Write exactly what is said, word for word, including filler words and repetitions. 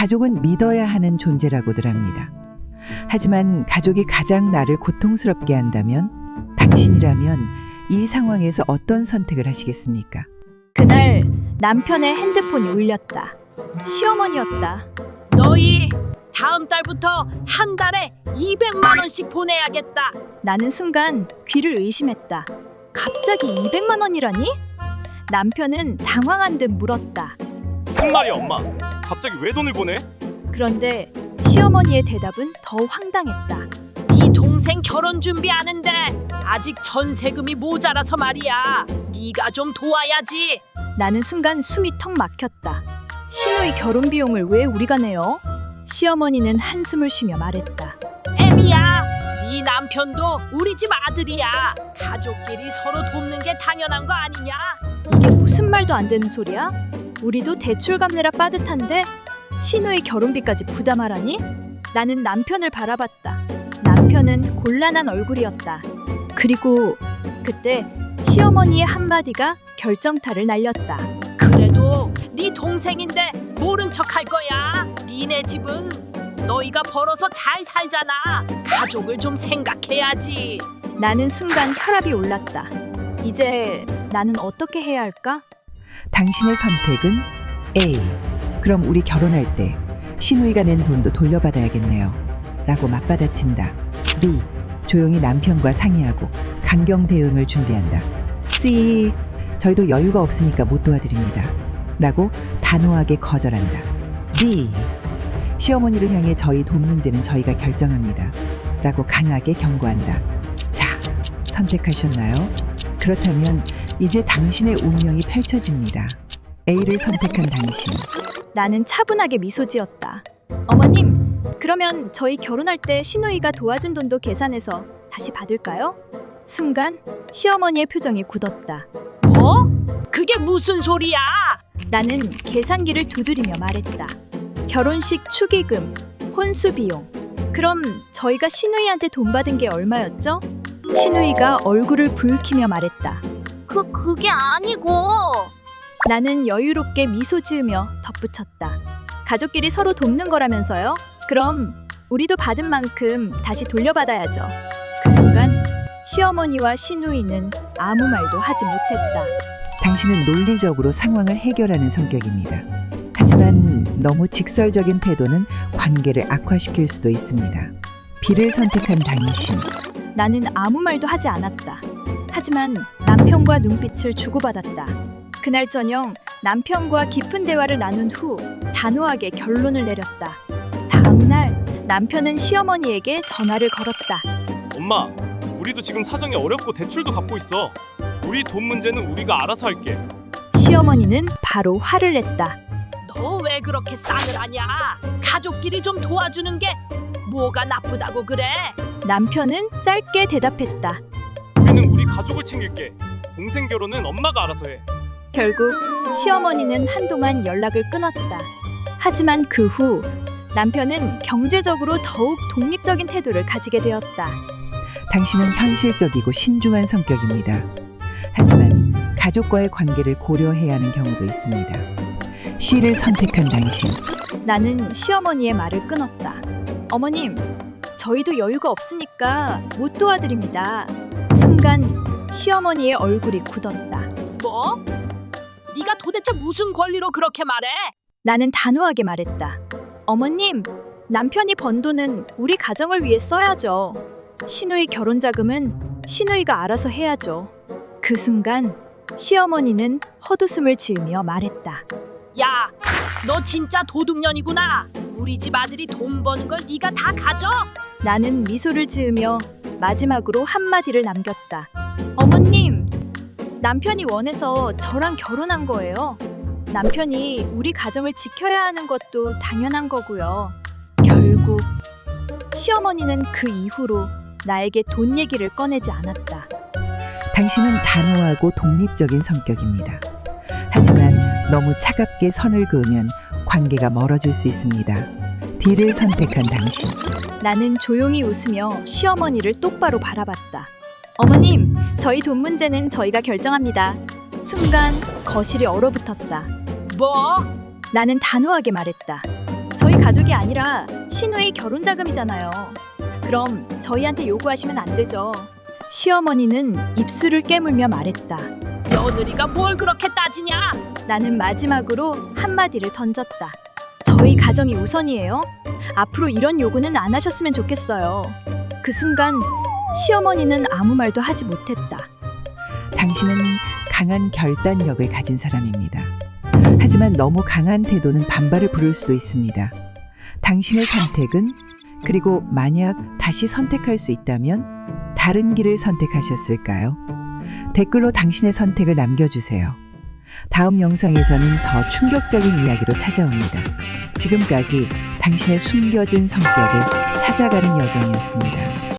가족은 믿어야 하는 존재라고들 합니다. 하지만 가족이 가장 나를 고통스럽게 한다면 당신이라면 이 상황에서 어떤 선택을 하시겠습니까? 그날 남편의 핸드폰이 울렸다. 시어머니였다. 너희 다음 달부터 한 달에 이백만 원씩 보내야겠다. 나는 순간 귀를 의심했다. 갑자기 이백만 원이라니? 남편은 당황한 듯 물었다. 무슨 말이야 엄마? 갑자기 왜 돈을 보내? 그런데 시어머니의 대답은 더 황당했다. 네 동생 결혼 준비하는데 아직 전세금이 모자라서 말이야. 네가 좀 도와야지. 나는 순간 숨이 턱 막혔다. 시누이 결혼 비용을 왜 우리가 내요? 시어머니는 한숨을 쉬며 말했다. 애미야, 네 남편도 우리 집 아들이야. 가족끼리 서로 돕는 게 당연한 거 아니냐? 이게 무슨 말도 안 되는 소리야? 우리도 대출 갚느라 빠듯한데 시누이 결혼비까지 부담하라니? 나는 남편을 바라봤다. 남편은 곤란한 얼굴이었다. 그리고 그때 시어머니의 한마디가 결정타를 날렸다. 그래도 네 동생인데 모른 척 할 거야. 니네 집은 너희가 벌어서 잘 살잖아. 가족을 좀 생각해야지. 나는 순간 혈압이 올랐다. 이제 나는 어떻게 해야 할까? 당신의 선택은 A. 그럼 우리 결혼할 때 시누이가 낸 돈도 돌려받아야겠네요. 라고 맞받아친다. B. 조용히 남편과 상의하고 강경 대응을 준비한다. C. 저희도 여유가 없으니까 못 도와드립니다. 라고 단호하게 거절한다. D. 시어머니를 향해 저희 돈 문제는 저희가 결정합니다. 라고 강하게 경고한다. 자, 선택하셨나요? 그렇다면 이제 당신의 운명이 펼쳐집니다. A를 선택한 당신. 나는 차분하게 미소 지었다. 어머님, 그러면 저희 결혼할 때 시누이가 도와준 돈도 계산해서 다시 받을까요? 순간 시어머니의 표정이 굳었다. 뭐? 그게 무슨 소리야? 나는 계산기를 두드리며 말했다. 결혼식 축의금, 혼수 비용. 그럼 저희가 시누이한테 돈 받은 게 얼마였죠? 시누이가 얼굴을 붉히며 말했다. 그 그게 아니고 나는 여유롭게 미소 지으며 덧붙였다. 가족끼리 서로 돕는 거라면서요? 그럼 우리도 받은 만큼 다시 돌려받아야죠. 그 순간 시어머니와 시누이는 아무 말도 하지 못했다. 당신은 논리적으로 상황을 해결하는 성격입니다. 하지만 너무 직설적인 태도는 관계를 악화시킬 수도 있습니다. B를 선택한 당신. 나는 아무 말도 하지 않았다. 하지만 남편과 눈빛을 주고받았다. 그날 저녁 남편과 깊은 대화를 나눈 후 단호하게 결론을 내렸다. 다음 날 남편은 시어머니에게 전화를 걸었다. 엄마, 우리도 지금 사정이 어렵고 대출도 갚고 있어. 우리 돈 문제는 우리가 알아서 할게. 시어머니는 바로 화를 냈다. 너 왜 그렇게 싸늘하냐? 가족끼리 좀 도와주는 게 뭐가 나쁘다고 그래? 남편은 짧게 대답했다. 우리는 우리 가족을 챙길게. 동생 결혼은 엄마가 알아서 해. 결국 시어머니는 한동안 연락을 끊었다. 하지만 그 후 남편은 경제적으로 더욱 독립적인 태도를 가지게 되었다. 당신은 현실적이고 신중한 성격입니다. 하지만 가족과의 관계를 고려해야 하는 경우도 있습니다. C를 선택한 당신. 나는 시어머니의 말을 끊었다. 어머님, 저희도 여유가 없으니까 못 도와드립니다. 순간 시어머니의 얼굴이 굳었다. 뭐? 네가 도대체 무슨 권리로 그렇게 말해? 나는 단호하게 말했다. 어머님, 남편이 번 돈은 우리 가정을 위해 써야죠. 시누이 결혼 자금은 시누이가 알아서 해야죠. 그 순간 시어머니는 헛웃음을 지으며 말했다. 야, 너 진짜 도둑년이구나. 우리 집 아들이 돈 버는 걸 네가 다 가져? 나는 미소를 지으며 마지막으로 한마디를 남겼다. 어머님, 남편이 원해서 저랑 결혼한 거예요. 남편이 우리 가정을 지켜야 하는 것도 당연한 거고요. 결국 시어머니는 그 이후로 나에게 돈 얘기를 꺼내지 않았다. 당신은 단호하고 독립적인 성격입니다. 하지만 너무 차갑게 선을 그으면 관계가 멀어질 수 있습니다. D를 선택한 당신. 나는 조용히 웃으며 시어머니를 똑바로 바라봤다. 어머님, 저희 돈 문제는 저희가 결정합니다. 순간 거실이 얼어붙었다. 뭐? 나는 단호하게 말했다. 저희 저희 가족이 아니라 신우의 결혼 자금이잖아요. 그럼 저희한테 요구하시면 안 되죠. 시어머니는 입술을 깨물며 말했다. 며느리가 뭘 그렇게 따지냐? 나는 마지막으로 한마디를 던졌다. 저희 가정이 우선이에요. 앞으로 이런 요구는 안 하셨으면 좋겠어요. 그 순간 시어머니는 아무 말도 하지 못했다. 당신은 강한 결단력을 가진 사람입니다. 하지만 너무 강한 태도는 반발을 부를 수도 있습니다. 당신의 선택은, 그리고 만약 다시 선택할 수 있다면 다른 길을 선택하셨을까요? 댓글로 당신의 선택을 남겨주세요. 다음 영상에서는 더 충격적인 이야기로 찾아옵니다. 지금까지 당신의 숨겨진 성격을 찾아가는 여정이었습니다.